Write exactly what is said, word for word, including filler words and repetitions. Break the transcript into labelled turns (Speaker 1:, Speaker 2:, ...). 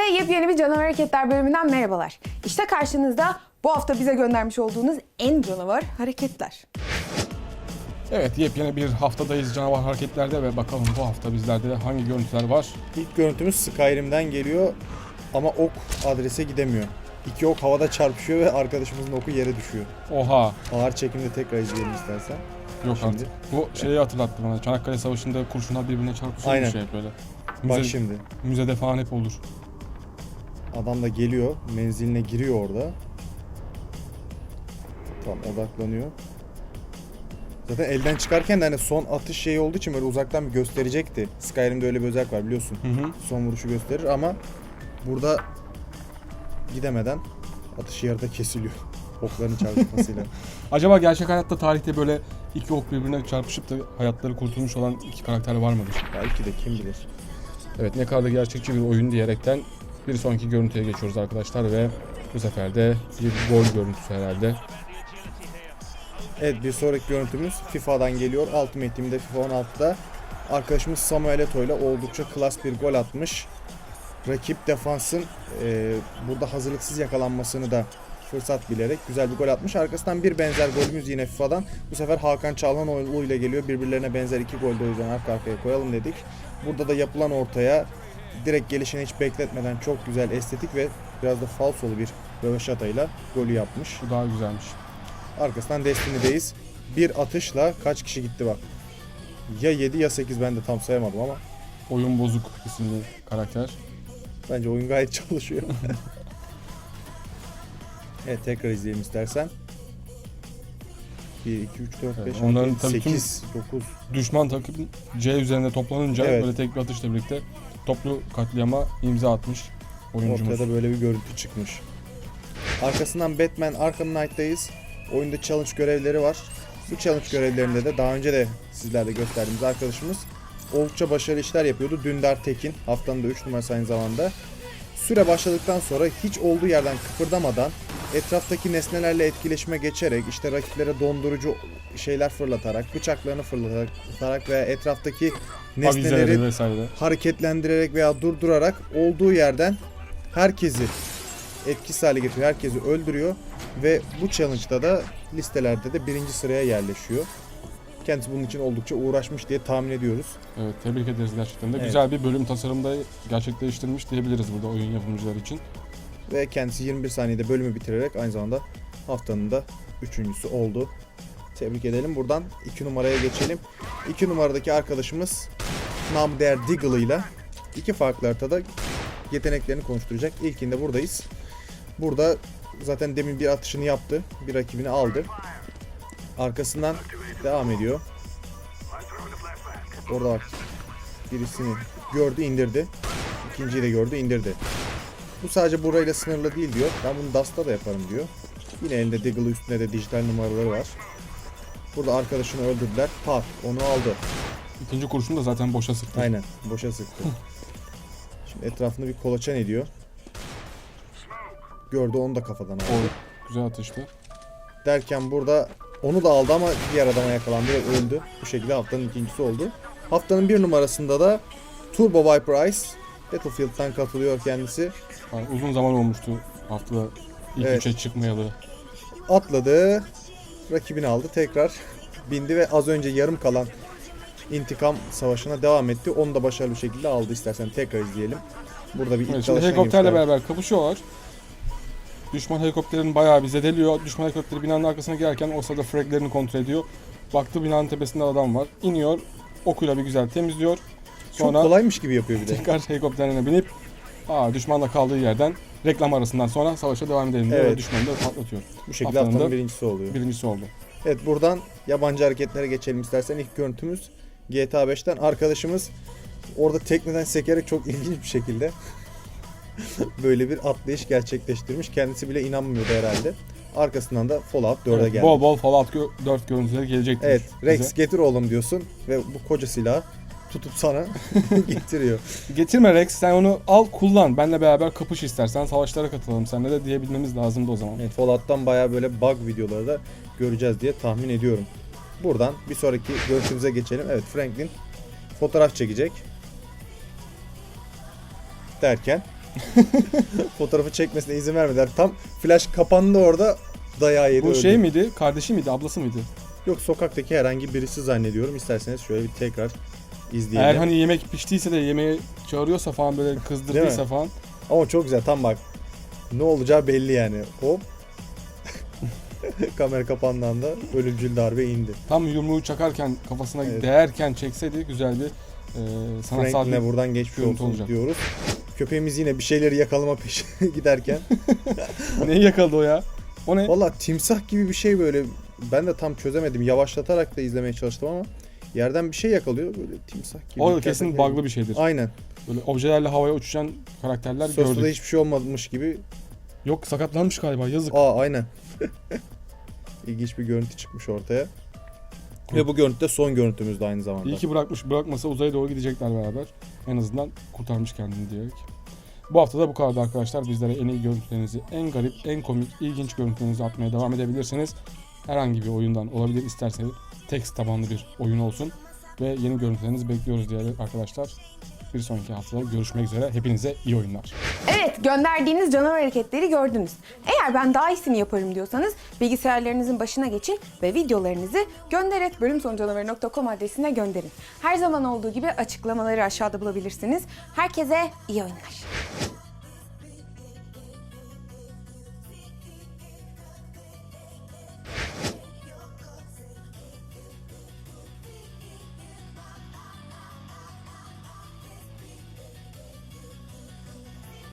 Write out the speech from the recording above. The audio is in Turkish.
Speaker 1: yepyeni bir Canavar Hareketler bölümünden merhabalar. İşte karşınızda bu hafta bize göndermiş olduğunuz en canavar hareketler.
Speaker 2: Evet, yepyeni bir haftadayız canavar hareketlerde ve bakalım bu hafta bizlerde de hangi görüntüler var?
Speaker 3: İlk görüntümüz Skyrim'den geliyor ama ok adrese gidemiyor. İki ok havada çarpışıyor ve arkadaşımızın oku yere düşüyor.
Speaker 2: Oha!
Speaker 3: Ağır çekimde tekrar izleyelim istersen.
Speaker 2: Yok
Speaker 3: Şimdi.
Speaker 2: artık. Bu şeyi hatırlattı bana. Çanakkale Savaşı'nda kurşunlar birbirine çarpışıyor
Speaker 3: Aynen.
Speaker 2: bir şey böyle.
Speaker 3: Bak
Speaker 2: Müze,
Speaker 3: şimdi.
Speaker 2: müzede falan hep olur.
Speaker 3: Adam da geliyor, menziline giriyor orada. Tamam, odaklanıyor. Zaten elden çıkarken de hani son atış şeyi olduğu için böyle uzaktan bir gösterecekti. Skyrim'de öyle bir özellik var biliyorsun.
Speaker 2: Hı hı.
Speaker 3: Son vuruşu gösterir ama burada gidemeden atışı yarıda kesiliyor. Okların çarpışmasıyla.
Speaker 2: Acaba gerçek hayatta tarihte böyle iki ok birbirine çarpışıp da hayatları kurtulmuş olan iki karakter var mıdır?
Speaker 3: Belki de, kim bilir.
Speaker 2: Evet, ne kadar da gerçekçi bir oyun diyerekten bir sonraki görüntüye geçiyoruz arkadaşlar ve bu sefer de bir gol görüntüsü herhalde.
Speaker 3: Evet, bir sonraki görüntümüz FIFA'dan geliyor. Ultimate Team'de FIFA on altıda arkadaşımız Samuel Eto'o ile oldukça klas bir gol atmış. Rakip defansın e, burada hazırlıksız yakalanmasını da fırsat bilerek güzel bir gol atmış. Arkasından bir benzer golümüz yine FIFA'dan. Bu sefer Hakan Çalhanoğlu ile geliyor. Birbirlerine benzer iki golde o yüzden arka arkaya koyalım dedik. Burada da yapılan ortaya direkt gelişini hiç bekletmeden çok güzel, estetik ve biraz da falsolu bir röveşatayla golü yapmış.
Speaker 2: Bu daha güzelmiş.
Speaker 3: Arkasından Destiny'deyiz. Bir atışla kaç kişi gitti bak. Ya yedi ya sekiz, ben de tam sayamadım ama.
Speaker 2: Oyun Bozuk isimli karakter.
Speaker 3: Bence oyun gayet çalışıyor. Evet, tekrar izleyelim istersen. bir, iki, üç, dört,
Speaker 2: Evet,
Speaker 3: beş,
Speaker 2: onların
Speaker 3: altı,
Speaker 2: tabii tüm-
Speaker 3: sekiz, dokuz.
Speaker 2: Düşman takım C üzerinde toplanınca
Speaker 3: Evet.
Speaker 2: böyle tek bir atışla birlikte toplu katliama imza atmış oyuncumuz.
Speaker 3: Ortada böyle bir görüntü çıkmış. Arkasından Batman Arkham Knight'tayız. Oyunda challenge görevleri var. Bu challenge görevlerinde de daha önce de sizlerle gösterdiğimiz arkadaşımız oldukça başarılı işler yapıyordu. Dündar Tekin, haftanın da üç numarası aynı zamanda. Süre başladıktan sonra hiç olduğu yerden kıpırdamadan etraftaki nesnelerle etkileşime geçerek, işte rakiplere dondurucu şeyler fırlatarak, bıçaklarını fırlatarak veya etraftaki nesneleri
Speaker 2: Avizeleri vesaire.
Speaker 3: hareketlendirerek veya durdurarak olduğu yerden herkesi etkisiz hale getiriyor, herkesi öldürüyor ve bu challenge'da da listelerde de birinci sıraya yerleşiyor. Kendisi bunun için oldukça uğraşmış diye tahmin ediyoruz.
Speaker 2: Evet, tebrik ederiz gerçekten de.
Speaker 3: Evet.
Speaker 2: Güzel bir bölüm tasarımda gerçekleştirmiş diyebiliriz burada oyun yapımcıları için.
Speaker 3: Ve kendisi yirmi bir saniyede bölümü bitirerek aynı zamanda haftanın da üçüncüsü oldu. Tebrik edelim. Buradan iki numaraya geçelim. iki numaradaki arkadaşımız namı değer Deagle ile iki farklı haritada yeteneklerini konuşturacak. İlkinde buradayız. Burada zaten demin bir atışını yaptı. Bir rakibini aldı. Arkasından devam ediyor. Orada bak, birisini gördü, indirdi. İkinciyi de gördü, indirdi. Bu sadece burayla sınırlı değil diyor. Ben bunu Dust'ta da yaparım diyor. Yine elinde Deagle'ı, üstünde de dijital numaraları var. Burada arkadaşını öldürdüler. Pat, onu aldı.
Speaker 2: İkinci kurşunu da zaten boşa sıktı.
Speaker 3: Aynen, boşa sıktı. Şimdi etrafını bir kolaçan ediyor. Gördü, onu da kafadan aldı.
Speaker 2: O güzel atıştı.
Speaker 3: Derken burada onu da aldı ama diğer adama yakalandı ve öldü. Bu şekilde haftanın ikincisi oldu. Haftanın bir numarasında da Turbo Viper Ice Battlefield'dan katılıyor kendisi.
Speaker 2: Yani uzun zaman olmuştu haftada ilk
Speaker 3: Evet.
Speaker 2: üçe çıkmayalı.
Speaker 3: Atladı, rakibini aldı, tekrar bindi ve az önce yarım kalan intikam savaşına devam etti. Onu da başarılı bir şekilde aldı. İstersen tekrar izleyelim. Burada bir ilk
Speaker 2: Evet, şimdi
Speaker 3: çalışan
Speaker 2: helikopterle
Speaker 3: yemişler.
Speaker 2: beraber kapışıyorlar. Düşman helikopterin bayağı bir zedeliyor. Düşman helikopteri binanın arkasına girerken o sırada fraglerini kontrol ediyor. Baktı binanın tepesinde adam var. İniyor. Okuyla bir güzel temizliyor.
Speaker 3: Çok
Speaker 2: Sonra
Speaker 3: kolaymış gibi yapıyor bir de.
Speaker 2: tekrar helikopterine binip aa, düşmanla kaldığı yerden reklam arasından sonra savaşa devam edelim diyor
Speaker 3: Evet.
Speaker 2: ve düşmanı da patlatıyor.
Speaker 3: Bu şekilde
Speaker 2: Haftanın
Speaker 3: haftanın
Speaker 2: da
Speaker 3: birincisi oluyor.
Speaker 2: Birincisi oldu.
Speaker 3: Evet, buradan yabancı hareketlere geçelim istersen. İlk görüntümüz G T A beşten arkadaşımız orada tekneden sekerek çok ilginç bir şekilde böyle bir atlayış gerçekleştirmiş. Kendisi bile inanmıyordu herhalde. Arkasından da Fallout dörde
Speaker 2: Evet,
Speaker 3: geldi.
Speaker 2: bol bol Fallout dört görüntüleri gelecektir.
Speaker 3: Evet, Rex
Speaker 2: bize.
Speaker 3: getir oğlum diyorsun ve bu koca silahı tutup sana getiriyor.
Speaker 2: Getirme Rex, sen onu al kullan. Benle beraber kapış istersen, savaşlara katılalım seninle de diyebilmemiz lazımdı o zaman.
Speaker 3: Evet, Fallout'tan bayağı böyle bug videoları da göreceğiz diye tahmin ediyorum. Buradan bir sonraki görüntümüze geçelim. Evet, Franklin fotoğraf çekecek derken Fotoğrafı çekmesine izin vermediler. Tam flash kapandı orada, dayağı yedi
Speaker 2: Bu
Speaker 3: öldü.
Speaker 2: şey miydi? Kardeşi miydi? Ablası mıydı?
Speaker 3: Yok, sokaktaki herhangi birisi zannediyorum. İsterseniz şöyle bir tekrar izleyelim.
Speaker 2: Eğer hani yemek piştiyse de yemeğe çağırıyorsa falan, böyle kızdırdıysa falan.
Speaker 3: Ama çok güzel, tam bak. Ne olacağı belli yani. Hop. Kamera kapandığında da ölümcül darbe indi.
Speaker 2: Tam yumruğu çakarken, kafasına
Speaker 3: Evet.
Speaker 2: değerken çekseydi güzel bir e, sanatsal
Speaker 3: Franklin'e
Speaker 2: bir...
Speaker 3: buradan geçmiş
Speaker 2: görüntü
Speaker 3: olsun
Speaker 2: olacak.
Speaker 3: diyoruz. Köpeğimiz yine bir şeyleri yakalama peşine giderken.
Speaker 2: Neyi yakaladı o ya? O ne?
Speaker 3: Valla timsah gibi bir şey böyle. Ben de tam çözemedim. Yavaşlatarak da izlemeye çalıştım ama yerden bir şey yakalıyor. Böyle timsah gibi.
Speaker 2: O kesin bug'lı bir şeydir.
Speaker 3: Aynen.
Speaker 2: Böyle objelerle havaya uçuşan karakterler
Speaker 3: Sosta da
Speaker 2: gördük.
Speaker 3: hiçbir şey olmamış gibi.
Speaker 2: Yok, sakatlanmış galiba, yazık.
Speaker 3: Aa, aynen. İlginç bir görüntü çıkmış ortaya. Ve bu görüntü de son görüntümüz de aynı zamanda.
Speaker 2: İyi ki bırakmış, bırakmasa uzaya doğru gidecekler beraber. En azından kurtarmış kendini diyerek. Bu hafta da bu kadar arkadaşlar. Bizlere en iyi görüntülerinizi, en garip, en komik, ilginç görüntülerinizi atmaya devam edebilirsiniz. Herhangi bir oyundan olabilir, isterseniz text tabanlı bir oyun olsun. Ve yeni görüntülerinizi bekliyoruz diyerek arkadaşlar. Bir sonraki haftada görüşmek üzere. Hepinize iyi oyunlar.
Speaker 1: Evet, gönderdiğiniz canavar hareketleri gördünüz. Eğer ben daha iyisini yaparım diyorsanız bilgisayarlarınızın başına geçin ve videolarınızı gönder et bölümsonucanavarı nokta com adresine gönderin. Her zaman olduğu gibi açıklamaları aşağıda bulabilirsiniz. Herkese iyi oyunlar.